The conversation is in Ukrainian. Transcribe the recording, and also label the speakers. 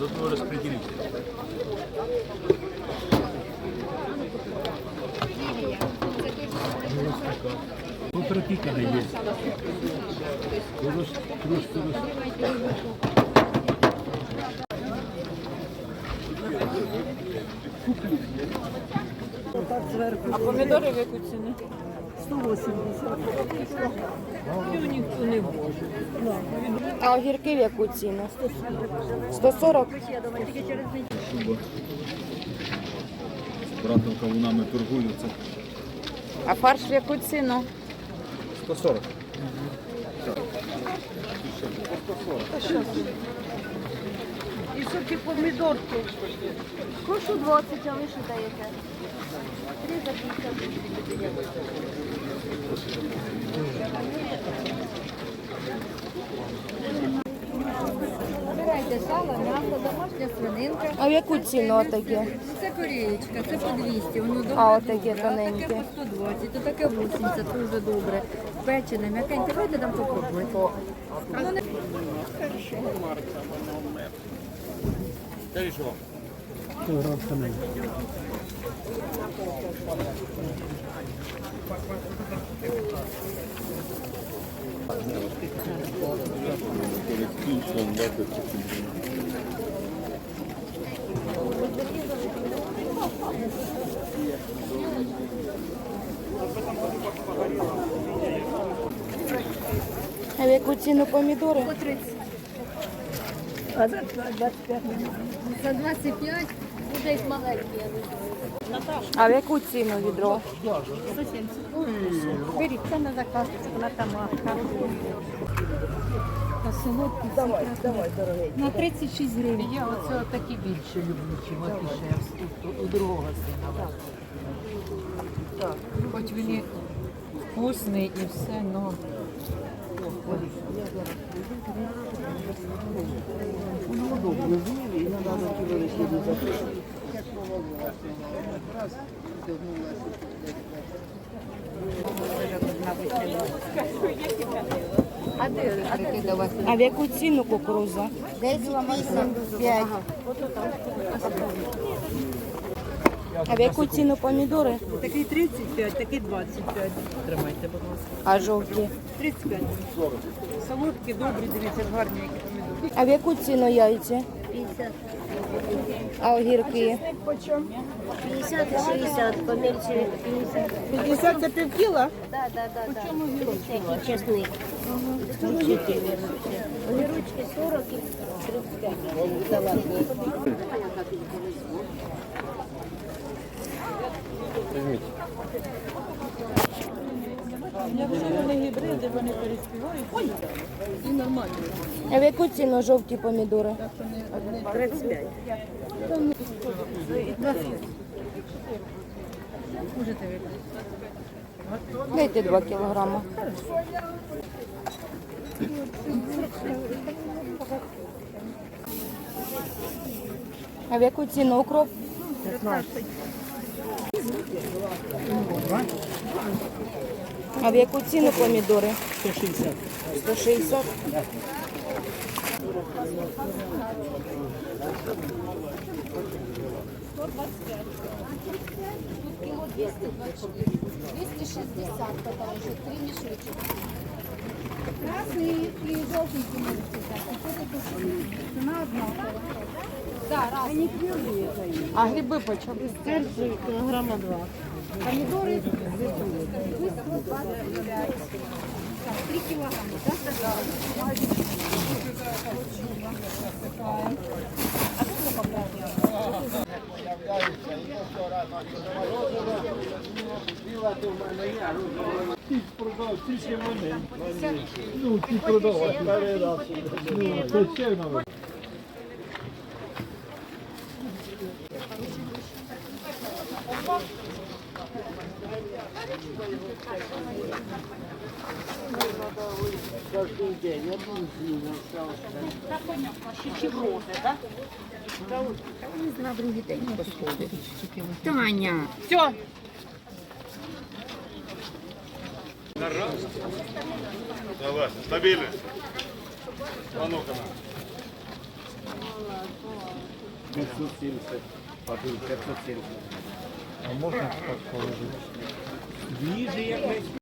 Speaker 1: Заодно распределите. Ну, пропитано есть.
Speaker 2: А помідори в яку ціну?
Speaker 3: 180.
Speaker 2: Ніхто не може.
Speaker 4: А огірки в яку ціну? 140?
Speaker 1: Шуба. З братом кавунами торгуються.
Speaker 4: А фарш в яку ціну?
Speaker 1: 140.
Speaker 3: І соки помідорки. Прошу 20, а ви що даєте? 3 за 50.
Speaker 5: Вибирайте сало, м'ясо, домашня свининка.
Speaker 4: А в яку ціну таке?
Speaker 5: Це корієчка, це по 200, воно добре.
Speaker 4: А отаке
Speaker 5: добре.
Speaker 4: тоненьке?
Speaker 5: Таке по 120, то таке 80, дуже добре. Печене, м'якеньке, давайте там попробуйте. Воно не...
Speaker 4: А в яку ціну помідори?
Speaker 5: По 30.
Speaker 3: А за 25.
Speaker 5: За 25 буде їх маленькі, я не знаю.
Speaker 4: А в яку ціну відро?
Speaker 5: 170. Беріть, це на заказ, вона там марка. На солодкі.
Speaker 3: Давай, дорогий.
Speaker 5: На 36 гривень.
Speaker 2: Я оце такі більше люблю, чим афішерські у другого сина. Так. Хоч він і вкусний і все, но
Speaker 4: А в яку ціну кукуруза?
Speaker 3: 10,85.
Speaker 4: А в яку ціну помідори?
Speaker 2: такий 35, такий 25. Тримайте, будь ласка.
Speaker 4: А жовті?
Speaker 2: 35. Солодкі, добрі, дивіться, гарні, які помідори.
Speaker 4: А в яку ціну яйця?
Speaker 3: 50.
Speaker 4: А огірки?
Speaker 3: 50 і 60, помельче 50.
Speaker 2: 50 це пів кіла?
Speaker 3: Да. Такий чесник. 44. Огірочки 40 і 35. Салатні.
Speaker 2: Якщо вони гібриди, вони переспівають. І нормально.
Speaker 4: А в яку ціну жовті помідори?
Speaker 2: 35.
Speaker 5: Можете вибрати.
Speaker 4: Дайте 2 кілограми. А в яку ціну укроп?
Speaker 2: 15.
Speaker 4: А в яку ціну помідори?
Speaker 2: 160.
Speaker 4: 160.
Speaker 5: Кіло 260, потому що 3 мішочки. Красний і жовтий ціна однакова. Да, разні.
Speaker 2: А гриби по чому?
Speaker 3: Серце кілограма 2.
Speaker 5: Помідори 225. Так, 3 кілограми, так?
Speaker 1: Продав тільки вони. Ну, ті продавати. Ну, то ще нам.
Speaker 3: Кожен день, я буду з ним
Speaker 5: На другий день посходить. Таня.
Speaker 2: Все.
Speaker 6: Давай, стабильно. А ну-ка. 570. Папір 570.
Speaker 1: А можна так положити?
Speaker 6: Свіжий як весь.